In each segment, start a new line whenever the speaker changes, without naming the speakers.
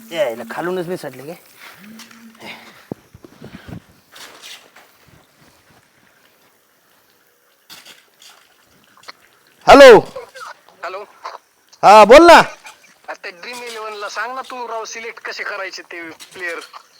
यायला खालूनच निसटले गे. Hello.
Hello.
हा बोल ना.
आता ड्रीम 11 ला सांग ना तू राव, सिलेक्ट कसे करायचे ते प्लेयर.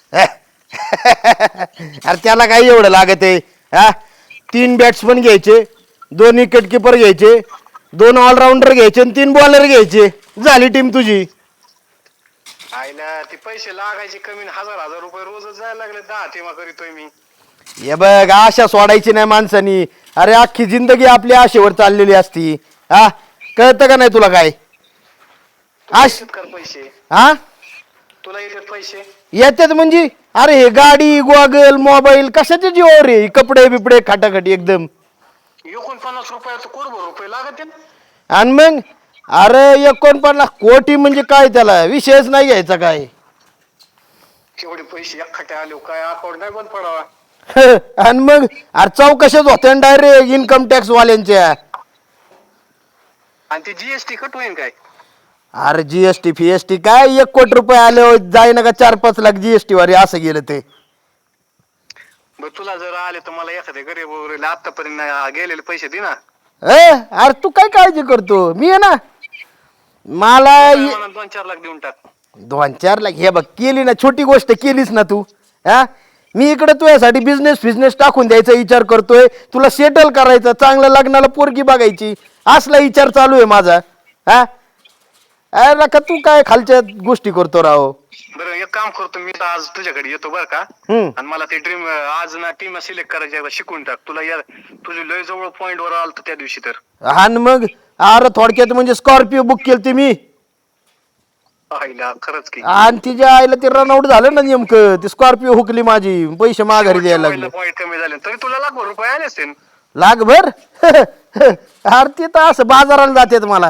अरे त्याला काही एवढं लागत आहे. हा 3 बॅट्समन घ्यायचे, 2 विकेट किपर घ्यायचे, 2 ऑलराऊंडर घ्यायचे आणि 3 बॉलर घ्यायचे, झाली टीम तुझी.
आईला ते पैसे लागायचे कमी, हजार हजार रुपये रोजच जायला लागले. 10 टीमा करीतोय मी.
हे बघ, आशा सोडायची नाही माणसानी. अरे अख्खी जिंदगी आपली आशेवर चाललेली असती. हा कळतं का नाही तुला काय?
तुला
आश
येतात कर पैसे?
हा
तुला येतात पैसे?
येतात म्हणजे अरे हे गाडी गॉगल मोबाईल कशाचे जीवावर रे? कपडे बिपडे खाटाखाटी एकदम.
49 रुपयाचं कोरभर रुपये लागत.
आणि मग अरे 49 कोटी म्हणजे काय? त्याला विषयच नाही घ्यायचा काय.
केवढे पैसे एकखट्या आले, काय अकाउंट नाही बंद पडावा.
आणि मग अरे चौकशाच होत्या डायरेक्ट इन्कम टॅक्स वाल्यांच्या.
आणि ते जीएसटी कट होईल काय?
अरे जीएसटी फीएसटी काय 1 कोटी रुपये आले जाय ना का 4-5 लाख जीएसटी वारी असं गेलं ते.
बर तुला जर आले तर मला एखाद्या गरीब वगैरे आतापर्यंत गेलेले पैसे दे ना.
अरे तू काय काळजी करतो? मी आहे ना. मला
2-4 लाख देऊन टाक.
2-4 लाख हे बघ, केली ना छोटी गोष्ट केलीस ना तू. हा मी इकडे तुझ्यासाठी बिझनेस टाकून द्यायचा विचार करतोय. तुला सेटल करायचं, चांगलं लग्नाला पोरगी बघायची, असला विचार चालू आहे माझा. हा अरे का तू काय खालच्या गोष्टी करतो राव.
बरं एक काम करतो मी, तर आज तुझ्याकडे येतो बरं का. आणि मला ते ड्रीम आज ना टीम सिलेक्ट करायची शिकून टाक. तुला यार तुझी लय जवळ पॉइंट वर आलं त्या दिवशी तर.
हा मग अरे थोडक्यात म्हणजे स्कॉर्पिओ बुक केली मी.
आईला खरंच की.
आणि तिच्या आईला ते रनआउट झालं ना नेमकं, ती स्कॉर्पिओ हुकली माझी, पैसे माघारी द्यायला लागले.
पॉइंट कमी झाले तरी तुला लाखभर रुपये आले असतील.
लाखभर? अरे ते तर असं बाजाराला जातात मला.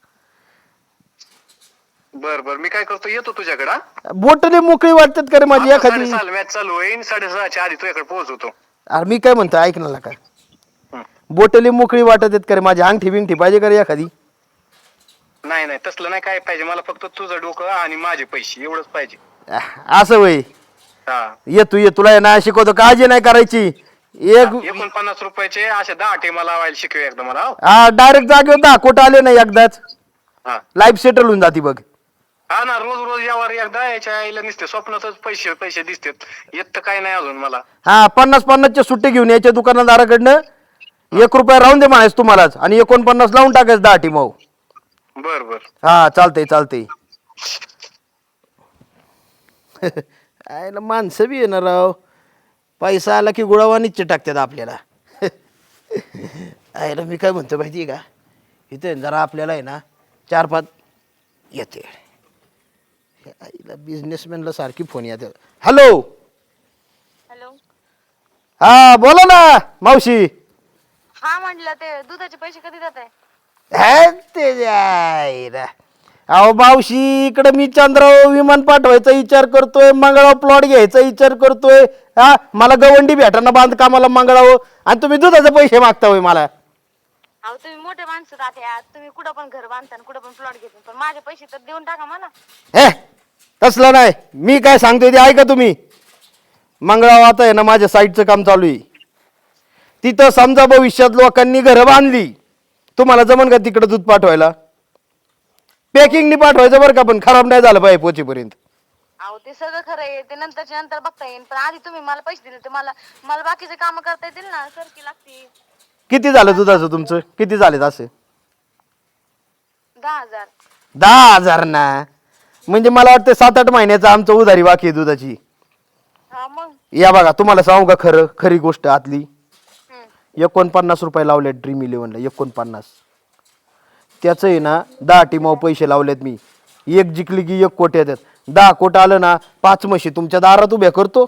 बर बर मी काय करतो, येतो तुझ्याकडे.
बोटले मोकळी वाटतात का रे माझी एखादी?
मॅच चालू होईल 6:30च्या आधी तुझ्याकडे पोहोचवतो.
अरे मी काय म्हणतो ऐक ना का, बोटली मोकळी वाटत आहेत का रे माझी? अंगठी बिंगठी पाहिजे का रे एखादी?
नाही नाही तसलं नाही काय पाहिजे मला, फक्त तुझं डोकं आणि माझे पैसे एवढंच पाहिजे.
असं वय.
हा
ये तुला ना शिकवतो, काळजी नाही करायची.
49 रुपयाचे असे 10 टीमा लावायला शिकवे एकदा मला.
हा डायरेक्ट जागेवर 10 कोटी आले नाही एकदाच.
हा
लाईफ सेटल होऊन जाते बघ.
हा ना, रोज रोज यावर एकदा याच्या आईला दिसते स्वप्नातच पैसे पैसे दिसतात. येत तर काय नाही अजून मला.
हा 50-50चे सुट्टे घेऊन यायच्या दुकानदाराकडनं. 1 रुपया राहून दे म्हणायचं तुम्हालाच, आणि 49 लावून टाकायचं 10 टीम.
बर बर
हा चालतंय. आयला माणसं बी येणार राव, पैसा आला की गुळावा निश्चित टाकतात आपल्याला. आयला मी काय म्हणतो माहिती का, इथे जरा आपल्याला आहे ना 4-5 येते. आईला बिझनेसमॅनला सारखी फोन येते. हॅलो.
हॅलो.
हा बोला ना मावशी.
हा म्हटलं ते दुधाचे पैसे कधी देत आहे?
अहो मावशी, इकडे मी चंद्रावर विमान पाठवायचा विचार करतोय, मंगळावर प्लॉट घ्यायचा विचार करतोय. हा मला गवंडी भेटाना बांधकामाला मंगळावर, आणि तुम्ही दुधाचे पैसे मागता होय मला.
अहो तुम्ही मोठे माणसं राहते, तुम्ही कुठं पण घर बांधता कुठं पण प्लॉट घेता, पण माझे पैसे तर देऊन टाका मला.
तसलं नाही, मी काय सांगतोय ते ऐका तुम्ही. मंगळावर आता आहे ना माझ्या साईडचं काम चालू आहे. तिथं समजा भविष्यात लोकांनी घरं बांधली, तुम्हाला जमन का तिकडे दूध पाठवायला? पॅकिंगनी पाठवायचं बरं का, पण खराब नाही झालं पाहिजे पोचेपर्यंत.
अहो ते सगळं खरं आहे, ते नंतरच्या नंतर बघता येईल, पण आधी तुम्ही मला पैसे दिले तर मला बाकीचे काम करता येतील ना. सरकी लागते.
किती झालं दुधाचं तुमचं? किती झाले असे?
10,000.
10,000 ना, म्हणजे मला वाटतं 7-8 महिन्याचं आमचं उधारी बाकी आहे दुधाची.
हा मग.
या बघा तुम्हाला सांगू का खरी गोष्ट आतली. 49 रुपये लावले ड्रीम 11ला. 49 त्याचं आहे ना 10 टीमावर पैसे लावलेत मी. एक जिंकली की 1 कोटी येतात. 10 कोटी आलं ना 5 म्हशी तुमच्या दारात उभ्या करतो.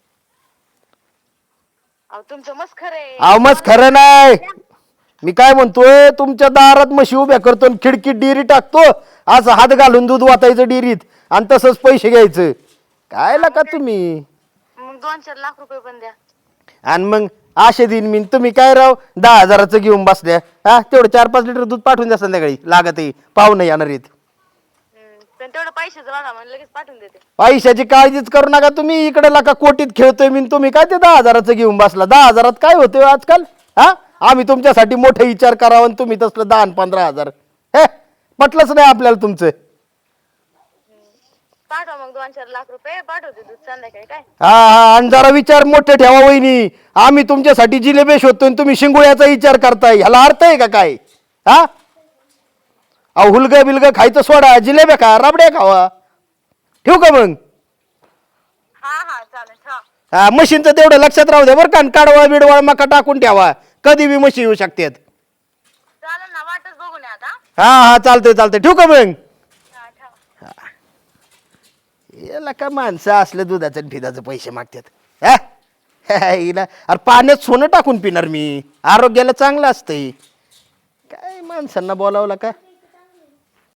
अहो तुमचं मस्त खरं आहे.
अहो मस्त खरं नाही, मी काय म्हणतोय, तुमच्या दारात म्हशी उभ्या करतो आणि खिडकीत डेअरी टाकतो, असं हात घालून दूध वाटायचं डेअरीत आणि तसंच पैसे घ्यायचं. काय का तुम्ही?
मग 2-4 लाख रुपये पण द्या.
आणि मग आशे दिन मी, तुम्ही काय राव 10,000चं घेऊन बसल्या. हा तेवढं 4-5 लिटर दूध पाठवून द्या संध्याकाळी, लागत आहे पाहुणे येणार आहेत.
पण तेवढं पैशाचं बघा म्हणलं लगेच पाठवून देते.
पैशाची काळजीच करू नका तुम्ही. इकडे लाका कोटीत खेळतोय मी, तुम्ही काय ते 10,000चं घेऊन बसला. 10,000त काय होतंय आजकाल? हा, आम्ही तुमच्यासाठी मोठे विचार करावा आणि तुम्ही तसलं 10 आणि 15,000. हे पटलंच नाही आपल्याला तुमचं.
पाठवा मग 2-4 लाख रुपये पाठवते दूध संध्याकाळी काय.
हा हा, आणि जरा विचार मोठे ठेवा वहिनी. आम्ही तुमच्यासाठी जिलेबी शोधतोय आणि तुम्ही शिंगोळ्याचा विचार करताय. ह्याला अर्थ आहे का काय? हा, अहो हुलगं बिलगं खायचं सोडा, जिलेब्या खा, रबड्या खावा. ठेवू का मग?
हा हा चालेल. हा
हा, मशीनचं तेवढं लक्षात राहू द्या बरं का. काढवा बिडवा मका टाकून ठेवा, कधी बी मशी येऊ शकतात.
चालेल ना, वाटच बघून या आता.
हा हा, चालतंय चालतंय. ठेवू का मग?
हा ठेवा.
याला का माणसं असले दुधाचं आणि फिदाचं पैसे मागतात. हा? हिला अरे पाण्यात सोनं टाकून पिणार मी, आरोग्याला चांगलं असतंय. काय माणसांना बोलावलं का?